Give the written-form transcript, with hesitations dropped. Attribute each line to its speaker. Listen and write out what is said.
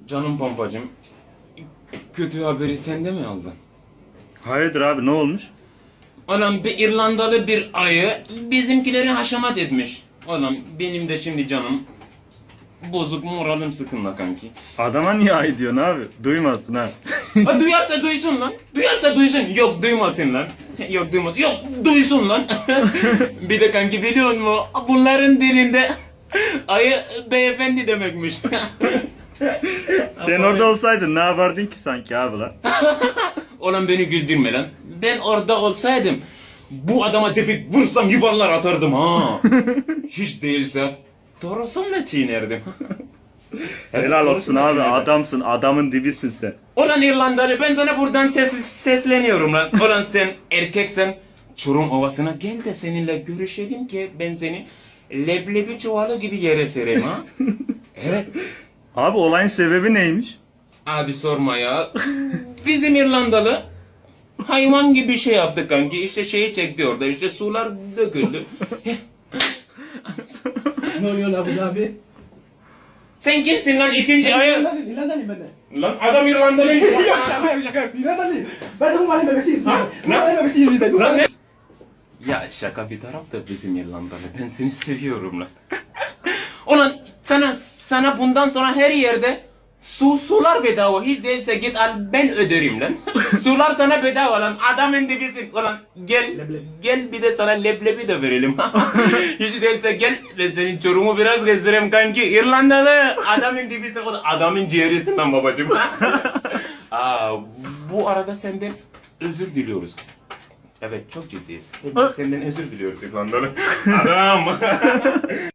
Speaker 1: Canım pompacım, kötü haberi sen de mi aldın?
Speaker 2: Hayırdır abi, ne olmuş?
Speaker 1: Ulan bir İrlandalı bir ayı bizimkileri haşamat etmiş. Ulan benim de şimdi canım bozuk, moralim sıkınla kanki.
Speaker 2: Adama niye ay diyorsun abi? Duymasın ha.
Speaker 1: Ha, duyarsa duysun lan. Duyarsa duysun. Yok duymasın lan. Yok duymasın. Yok duysun lan. Bir de kanki biliyor musun? Bunların dilinde ayı beyefendi demekmiş.
Speaker 2: Sen orada olsaydın ne yapardın ki sanki abi lan?
Speaker 1: Ulan beni güldürme lan. Ben orada olsaydım bu adama tepik vursam yuvarlar atardım ha. Hiç değilse torosumla çiğnerdim.
Speaker 2: Helal olsun
Speaker 1: Torosumla
Speaker 2: abi,
Speaker 1: çiğnerdim.
Speaker 2: adamsın, adamın dibisin sen.
Speaker 1: Ulan İrlandalı, ben sana buradan sesleniyorum lan. Ulan sen erkeksen Çorum Ovası'na gel de seninle görüşelim ki ben seni leblebi çuvalı gibi yere sereyim ha. Evet.
Speaker 2: Abi olayın sebebi neymiş?
Speaker 1: Abi sorma ya. Bizim İrlandalı hayvan gibi şey yaptı kanki. İşte şeyi çekti orada, işte sular döküldü.
Speaker 3: Ne oluyor lan bu abi?
Speaker 1: Sen kimsin lan ikinci ayı?
Speaker 3: İrlandalıyım ben de.
Speaker 1: Lan adam İrlandalı.
Speaker 3: Yok şaka. İrlandalıyım. Ben de bu mahallenin bebesiyiz.
Speaker 1: Ha?
Speaker 3: Bu mahallenin bebesiyiz biz de.
Speaker 1: Lan ne? Ya şaka bir taraf da bizim İrlandalı. Ben seni seviyorum lan. Ulan sana bundan sonra her yerde sular bedava. Hiç değilse git al, ben öderim lan. Sular sana bedava lan. Adamın dibisin. Ulan gel.
Speaker 3: Leblebi.
Speaker 1: Gel bir de sana leblebi de verelim. Hiç değilse gel. Ben senin Çorum'u biraz gezdireyim kanki. İrlandalı. Adamın dibisin. O da adamın ciğerisin lan babacığım. Bu arada senden özür diliyoruz. Evet, çok ciddiyiz. Senden özür diliyoruz İrlandalı. Adam.